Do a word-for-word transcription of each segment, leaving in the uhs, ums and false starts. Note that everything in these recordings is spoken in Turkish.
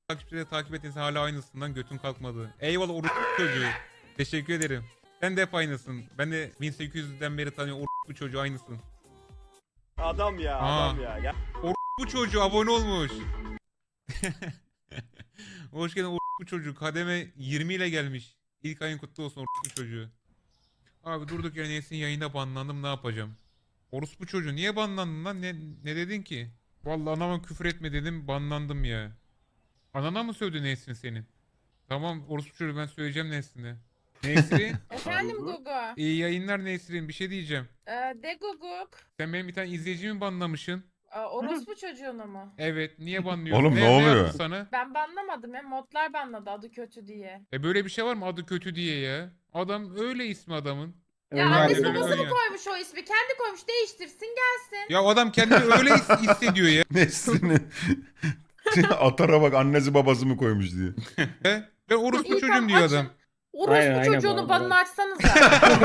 takipçileri takip ettiğiniz hala aynısından götün kalkmadı. Eyvallah orospu çocuğu. Teşekkür ederim. Sen de hep aynısın. Ben de bin sekiz yüzden beri tanıyorum orospu çocuğu aynısın. Adam ya, Aa. adam ya. ya. Bu çocuğu abone olmuş. Hoş geldin orospu çocuğu. Kademe yirmi ile gelmiş. İlk ayın kutlu olsun orospu çocuğu. Abi durduk yere Nesin yayında banlandım, ne yapacağım? Orospu çocuğu niye banlandın lan? Ne, ne dedin ki? Vallahi anama küfür etme dedim, banlandım ya. Anana mı sövdü Nesrin senin? Tamam orospu çocuğu, ben söyleyeceğim Nesrin'e. Nesrin Efendim Gugu. iyi yayınlar Nesrin, bir şey diyeceğim. Ee, de Guguk. Sen benim bir tane izleyicimi banlamışsın. Ee, orospu çocuğunu mu? Evet, niye banlıyorsun? Oğlum, ne oluyor? yaptı sana? Ben banlamadım ya. Modlar banladı adı kötü diye. E böyle bir şey var mı adı kötü diye ya? Adam öyle ismi adamın. Ya Öyle annesi öyle babası mı öyle. koymuş o ismi? Kendi koymuş, değiştirsin gelsin. Ya adam kendini öyle his- hissediyor ya. Nesrini. Atara bak, annesi babası mı koymuş diye. Ben orospu İyi, çocuğum tamam, diyor açın. adam. Orospu Aynen, aynen bu çocuğunun arada. banını açsanıza.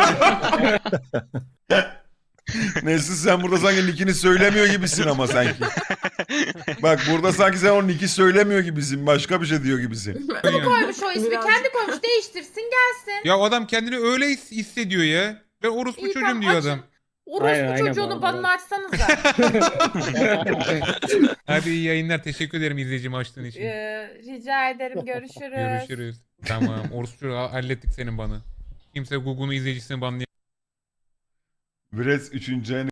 Nesrin, sen burada sanki nickini söylemiyor gibisin ama sanki. Bak burada sanki sen o nick'i söylemiyor gibisin. Başka bir şey diyor gibisin. Yani. koymuş o ismi. Kendi koymuş, değiştirsin gelsin. Ya adam kendini öyle his- hissediyor ya. Ben orospu İyi, çocuğum tamam, diyor açın. adam. Orospu Aynen, aynen bu çocuğunun arada. banını açsanıza. Hadi iyi yayınlar. Teşekkür ederim izleyicimi açtığın için. Ee, rica ederim. Görüşürüz. Görüşürüz. Tamam. Orospu çocuğu hallettik senin banı. Kimse Google'un izleyicisini banlayamaz. Brez üçüncü